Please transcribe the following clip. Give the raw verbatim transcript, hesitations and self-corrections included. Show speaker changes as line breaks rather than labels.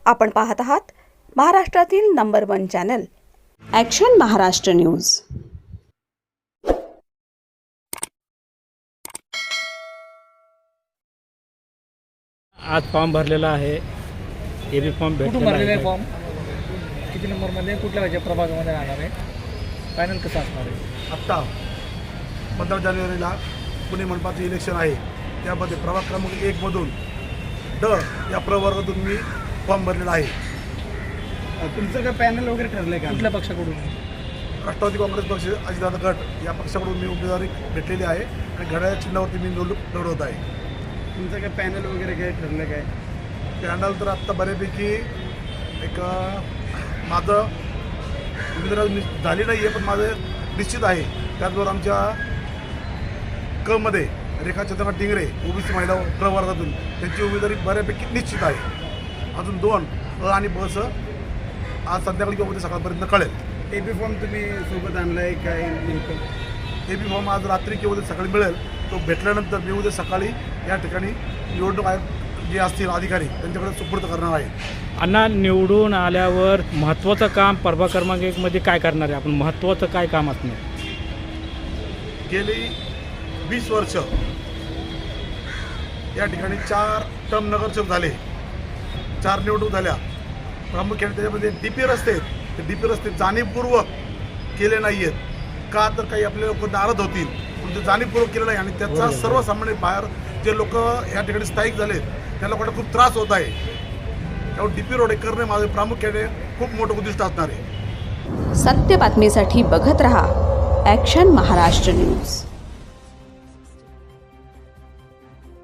आपण पाहत आहात महाराष्ट्रातील number one channel action Maharashtra news.
आज फॉर्म भरलेला आहे, ए बी फॉर्म भेटलेला आहे।
फॉर्म किती नंबरमध्ये कुठल्या राज्य प्रभागामध्ये राहणार आहे, फायनल कसं असणार आहे?
आत्ता पंधरा जानेवारीला पुणे मनपाचं इलेक्शन आहे, त्यामध्ये प्रभाग क्रमांक एकमधून ड या प्रवर्गातून मी फॉर्म भरलेला आहे।
तुमचं काय पॅनल वगैरे ठरलं आहे का? कुठल्या पक्षाकडून?
राष्ट्रवादी काँग्रेस पक्ष अजितदादा गट या पक्षाकडून मी उमेदवारी भेटलेली आहे आणि घड्याळ्या चिन्हावरती मी निवडणूक लढवत आहे।
तुमचं काय पॅनल वगैरे काय ठरलं काय?
पॅनल तर आत्ता बऱ्यापैकी एक माझं उमेदवारी झाली नाही आहे, पण माझं निश्चित आहे। त्याचबरोबर आमच्या क मध्ये रेखा चंद्रकांत टिंगरे ओबीसी महिला प्रवर्गातून त्यांची उमेदवारी बऱ्यापैकी निश्चित आहे। अजून दोन अ आणि ब स आज संध्याकाळी किंवा उद्या सकाळपर्यंत कळेल।
ए बी फॉर्म तुम्ही सोबत आणला आहे काय?
ए बी फॉर्म आज रात्री किंवा उद्या सकाळी मिळेल। तो भेटल्यानंतर मी उद्या सकाळी या ठिकाणी निवडणूक आयोग जे असतील अधिकारी त्यांच्याकडे सुपूर्द करणार आहे।
अण्णा, निवडून आल्यावर महत्त्वाचं काम प्रभाग क्रमांक एकमध्ये काय करणार आहे आपण? महत्त्वाचं काय काम असणार?
गेली वीस वर्ष या ठिकाणी चार टर्म नगरसेवक झाले, चार निवडणूक झाल्या। प्रामुख्याने त्याच्यामध्ये डी पी रस्ते आहेत, ते डी पी रस्ते जाणीवपूर्वक केले नाही आहेत का, तर काही आपले लोक नाराज होतील, पण ते जाणीवपूर्वक केलं नाही आणि त्याचा सर्वसामान्य बाहेर जे लोक या ठिकाणी स्थायिक झाले त्या लोकांना खूप त्रास होत आहे। त्यामुळे डी पी रोड करणे माझे प्रामुख्याने खूप मोठं उद्दिष्ट असणार आहे।
सत्य बातमीसाठी बघत रहा ॲक्शन महाराष्ट्र न्यूज।